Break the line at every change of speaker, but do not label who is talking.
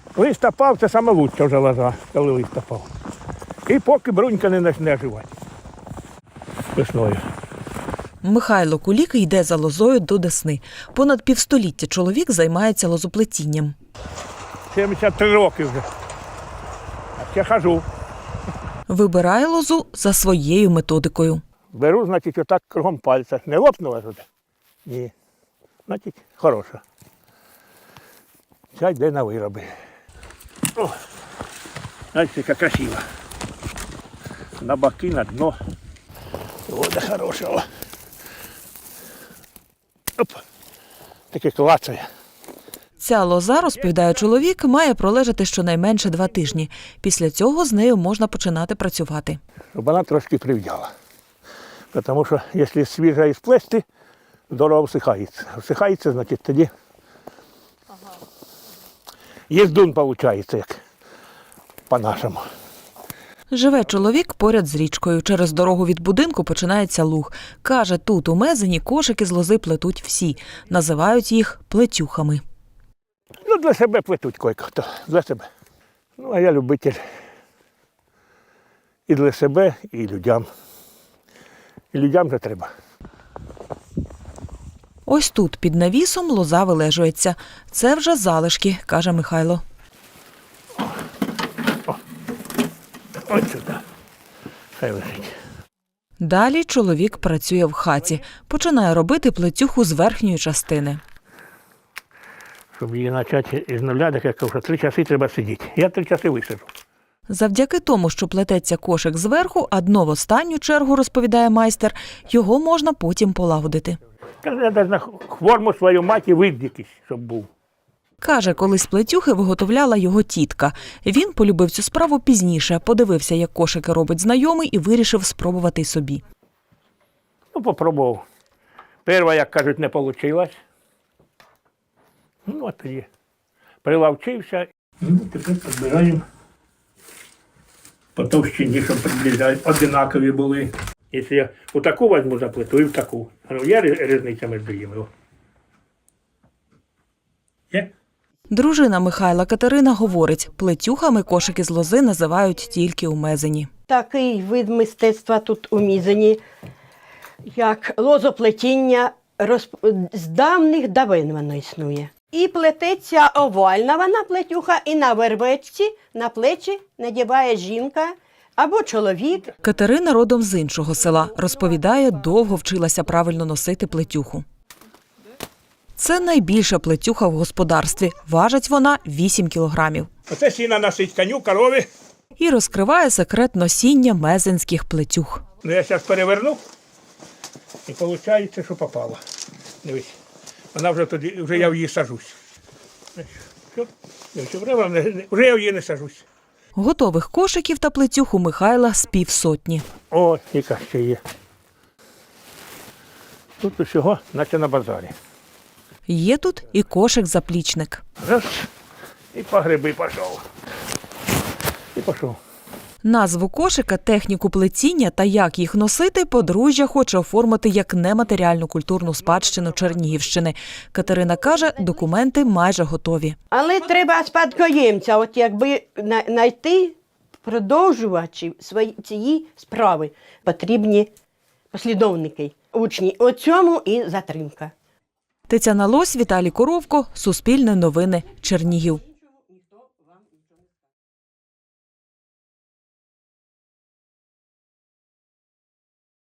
Листопав – це саме лучша вже лоза, коли листопав. І поки брунька не почне оживати весною.
Михайло Кулік йде за лозою до Десни. Понад півстоліття чоловік займається лозоплетінням.
73 роки вже. А ще хожу.
Вибирає лозу за своєю методикою.
Беру, значить, отак кругом пальця. Не лопнула туди? Ні. Значить, хороша. Ця йде на вироби. О, значить, яка красива. На боки, на дно. Вода хороша. О. Оп. Таке клацає.
Ця лоза, розповідає чоловік, має пролежати щонайменше 2 тижні. Після цього з нею можна починати працювати.
Щоб вона трошки прив'яла. Тому що, якщо свіжа і сплести, здорово всихається. Всихається, значить, тоді їздун виходить, як по-нашому.
Живе чоловік поряд з річкою. Через дорогу від будинку починається луг. Каже, тут у Мезені кошики з лози плетуть всі. Називають їх плетюхами.
Ну, для себе плетуть кое-хто, для себе. Ну, а я любитель і для себе, і людям. І людям вже треба.
Ось тут, під навісом, лоза вилежується. Це вже залишки, каже Михайло.
Ось сюди. Хай лежить.
Далі чоловік працює в хаті. Починає робити плетюху з верхньої частини.
Щоб її почати із нуля, так я кажу, що 3 часи треба сидіти. Я 3 часи висиджу.
Завдяки тому, що плететься кошик зверху, а дно в останню чергу, розповідає майстер, його можна потім полагодити.
Каже, я навіть на форму свою маті вид якийсь, щоб був.
Каже, колись плетюхи виготовляла його тітка. Він полюбив цю справу пізніше, подивився, як кошики робить знайомий і вирішив спробувати й собі.
Ну, попробував. Перша, як кажуть, не вийшло. Ну, от тоді прилавчився. Ну, тепер підбираємо по товщині, щоб приблизно одинакові були. Якщо я у таку візьму за плиту і в таку. Ну, є різниця між ними. Є?
Дружина Михайла Катерина говорить, плетюхами кошики з лози називають тільки у Мезені.
Такий вид мистецтва тут у Мізені, як лозоплетіння, з давних давин воно існує. І плететься овальна вона плетюха, і на вервечці, на плечі надіває жінка або чоловік.
Катерина родом з іншого села. Розповідає, довго вчилася правильно носити плетюху. Це найбільша плетюха в господарстві. Важить вона 8 кілограмів.
Оце сіна носить коню, корові.
І розкриває секрет носіння мезенських плетюх.
Ну, я зараз переверну, і виходить, що попало. Дивись, вона вже тоді, вже я в її сажусь. Все, вже я в її не сажусь.
Готових кошиків та плетюх у Михайла з 500.
О, яка ще є. Тут усього, наче на базарі.
Є тут і кошик-заплічник.
Раз, і по гриби пішов. І пішов.
Назву кошика, техніку плетіння та як їх носити подружжя хоче оформити як нематеріальну культурну спадщину Чернігівщини. Катерина каже, документи майже готові.
Але треба спадкоємця, от якби знайти продовжувачів цієї справи. Потрібні послідовники, учні. У цьому і затримка.
Тетяна Лось, Віталій Коровко, Суспільне новини, Чернігів.